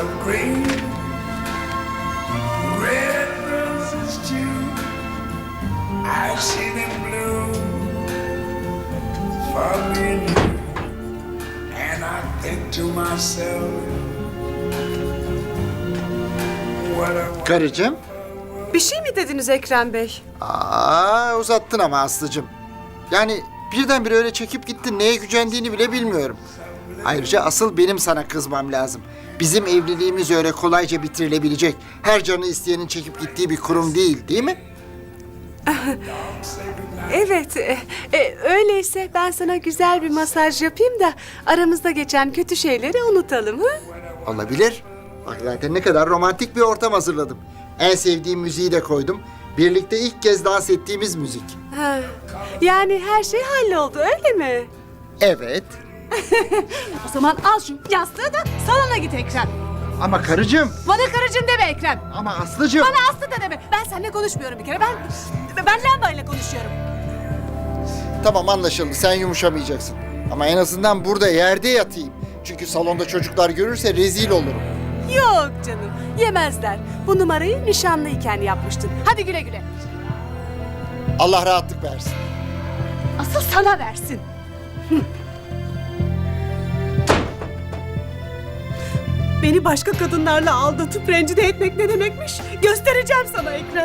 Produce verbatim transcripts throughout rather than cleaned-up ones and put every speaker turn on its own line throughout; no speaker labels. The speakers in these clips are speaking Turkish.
of green, red roses too. I see them bloom for me and you. And I think to myself, what a
Karıcığım.
Bir şey mi dediniz Ekrem Bey?
Aa, uzattın ama Aslı'cığım. Yani birdenbire öyle çekip gittin, neye gücendiğini bile bilmiyorum. Ayrıca asıl benim sana kızmam lazım. Bizim evliliğimiz öyle kolayca bitirilebilecek, her canı isteyenin çekip gittiği bir kurum değil, değil mi?
Evet, e, e, öyleyse ben sana güzel bir masaj yapayım da aramızda geçen kötü şeyleri unutalım, ha?
Olabilir. Bak zaten ne kadar romantik bir ortam hazırladım. En sevdiğim müziği de koydum. Birlikte ilk kez dans ettiğimiz müzik.
Ha, yani her şey halloldu, öyle mi?
Evet.
O zaman al şu yastığı da salona git Ekrem.
Ama karıcığım.
Bana karıcığım deme Ekrem.
Ama Aslı'cığım.
Bana Aslı da deme. Ben seninle konuşmuyorum bir kere. Ben ben lambayla konuşuyorum.
Tamam, anlaşıldı. Sen yumuşamayacaksın. Ama en azından burada yerde yatayım. Çünkü salonda çocuklar görürse rezil olurum.
Yok canım, yemezler. Bu numarayı nişanlıyken yapmıştın.
Hadi güle güle.
Allah rahatlık versin.
Asıl sana versin.
Beni başka kadınlarla aldatıp rencide etmek ne demekmiş? Göstereceğim sana Ekrem.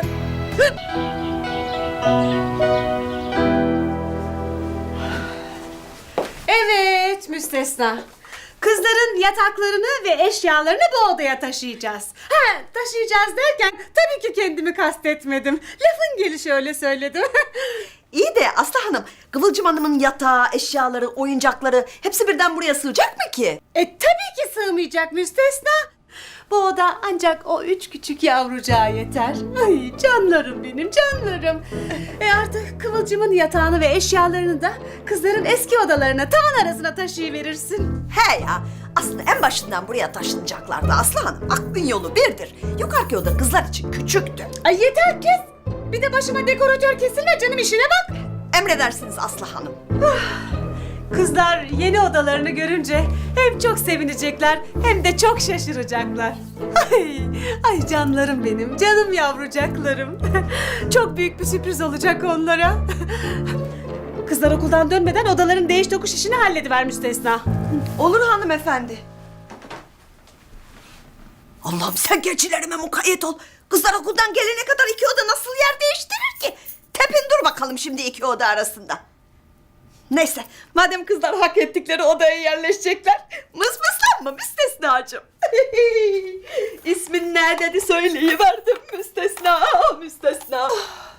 Evet, müstesna. Kızların yataklarını ve eşyalarını bu odaya taşıyacağız. Ha, taşıyacağız derken tabii ki kendimi kastetmedim. Lafın gelişi öyle söyledim.
İyi de Aslı Hanım, Kıvılcım Hanım'ın yatağı, eşyaları, oyuncakları hepsi birden buraya sığacak mı ki?
E tabii ki sığmayacak müstesna. Bu oda ancak o üç küçük yavrucağa yeter. Ay canlarım benim, canlarım. E artık Kıvılcım'ın yatağını ve eşyalarını da kızların eski odalarına, tavan arasına taşıyıverirsin.
He ya, aslında en başından buraya taşınacaklardı Aslı Hanım. Aklın yolu birdir. Yukarıki oda kızlar için küçüktü.
Ay yeter kes. Bir de başıma dekoratör kesilme canım, işine bak.
Emredersiniz Aslı Hanım.
Kızlar yeni odalarını görünce hem çok sevinecekler hem de çok şaşıracaklar. Ay, ay canlarım benim, canım yavrucaklarım. Çok büyük bir sürpriz olacak onlara. Kızlar okuldan dönmeden odaların değiş tokuş işini hallediver müstesna.
Olur hanımefendi. Allah'ım sen geçilerime mukayyet ol. Kızlar okuldan gelene kadar iki oda nasıl yer değiştirir ki? Tepin dur bakalım şimdi iki oda arasında. Neyse, madem kızlar hak ettikleri odaya yerleşecekler, mısmıslanma müstesnacığım. İsmin ne dedi söyleyiverdim müstesna, müstesna.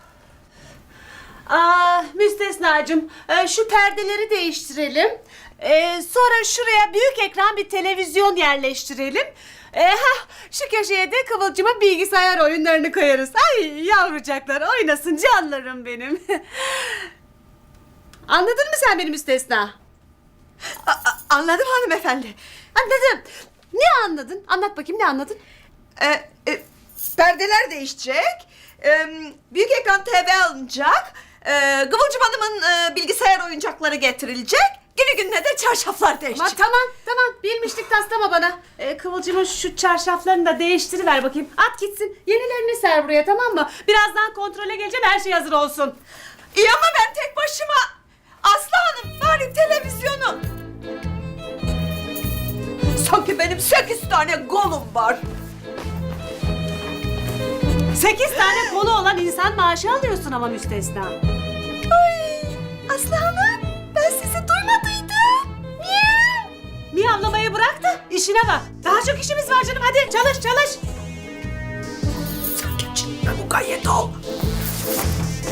Aa, müstesnacığım, e, şu perdeleri değiştirelim. E, sonra şuraya büyük ekran bir televizyon yerleştirelim. E, hah, şu köşeye de Kıvılcım'ın bilgisayar oyunlarını koyarız. Ay yavrucaklar oynasın canlarım benim. Anladın mı sen beni müstesna?
A- a- anladım hanımefendi.
Anladım. Ne anladın? Anlat bakayım, ne anladın?
Ee, e, perdeler değişecek, e, büyük ekran T V alınacak, e, Kıvılcım Hanım'ın e, bilgisayar oyuncakları getirilecek, günü gününe de çarşaflar
Ama
değişecek.
tamam tamam, bilmişlik taslama bana. Ee, Kıvılcım'ın şu çarşaflarını da değiştiriver bakayım. At gitsin, yenilerini ser buraya, tamam mı? Birazdan kontrole geleceğim, her şey hazır olsun.
İyi ama ben tek başıma. Aslı Hanım, bari televizyonu. Sanki benim sekiz tane kolum var.
Sekiz tane kolu olan insan maaşı alıyorsun ama müstesna.
Ay, Aslı Hanım, ben sizi duymadıydım. Niye?
Miyavlamayı bırak da işine bak. Daha çok işimiz var canım, hadi çalış çalış.
Sen geçinme mukayyet ol.